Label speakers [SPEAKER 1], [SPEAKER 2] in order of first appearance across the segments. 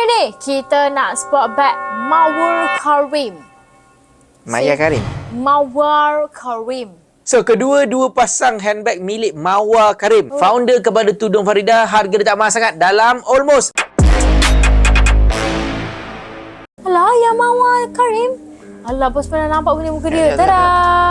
[SPEAKER 1] ni kita nak spot bag Mawar Karim.
[SPEAKER 2] Maya Karim.
[SPEAKER 1] Mawar Karim.
[SPEAKER 2] So, kedua-dua pasang handbag milik Mawar Karim. Founder kepada Tudung Farida, harga dia tak mahal sangat dalam almost.
[SPEAKER 1] Alah, ya Mawar Karim. Alah, bos pernah nampak punya muka dia. Tada!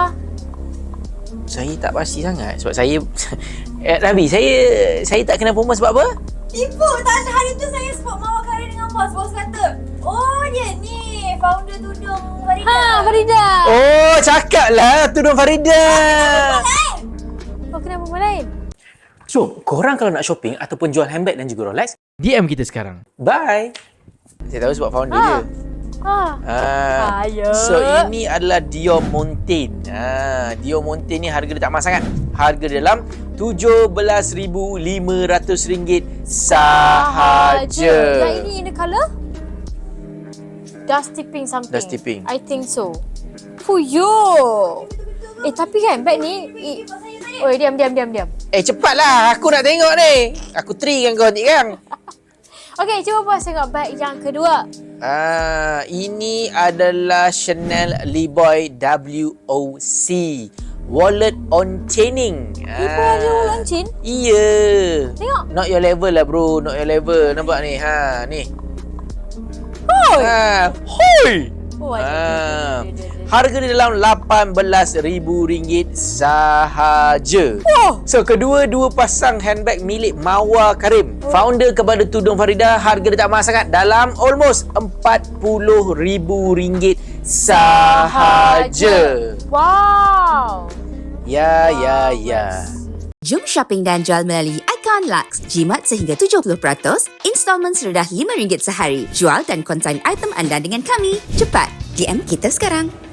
[SPEAKER 2] Saya tak pasti sangat sebab saya Rabi, saya tak kenal perempuan sebab apa?
[SPEAKER 3] Tipu tak ada. Hari tu saya spot Mawar Karim dengan bos. Bos kata, oh dia ni founder Tudung Farida.
[SPEAKER 1] Ha, Farida.
[SPEAKER 2] Oh, cakaplah Tudung Farida.
[SPEAKER 1] Kau kenal perempuan lain?
[SPEAKER 2] So, korang kalau nak shopping ataupun jual handbag dan juga Rolex, DM kita sekarang. Bye. Saya tahu sebab founder dia.
[SPEAKER 1] Ayo.
[SPEAKER 2] So ini adalah Diamontaine. Diamontaine ni harga dia tak mahal sangat. Harga dia dalam RM17,500 sahaja.
[SPEAKER 1] Yang ini in the colour? Dusty pink something.
[SPEAKER 2] Dusty pink.
[SPEAKER 1] I think so. Fuyo. Tapi kan bag ni oi, diam.
[SPEAKER 2] Cepatlah, aku nak tengok ni. Aku kan kau nanti kan.
[SPEAKER 1] Okey, cuba bos tengok bag yang kedua.
[SPEAKER 2] Ini adalah Chanel Liboy WOC Wallet on chaining.
[SPEAKER 1] Liboy ada wallet on chain?
[SPEAKER 2] Iya.
[SPEAKER 1] Tengok.
[SPEAKER 2] Not your level lah bro, not your level. Nampak ni? Ni.
[SPEAKER 1] Hoi.
[SPEAKER 2] Hoi.
[SPEAKER 1] Oh, ada.
[SPEAKER 2] Harga dia dalam RM18,000 sahaja.
[SPEAKER 1] Oh.
[SPEAKER 2] So, kedua-dua pasang handbag milik Mawar Karim. Founder kepada Tudung Farida, harga dia tak mahal sangat dalam almost RM40,000 sahaja.
[SPEAKER 1] Wow.
[SPEAKER 2] Ya.
[SPEAKER 4] Jom shopping dan jual melalui Icon Lux. Jimat sehingga 70%, installment serendah RM5 sehari. Jual dan konsign item anda dengan kami. Cepat, DM kita sekarang.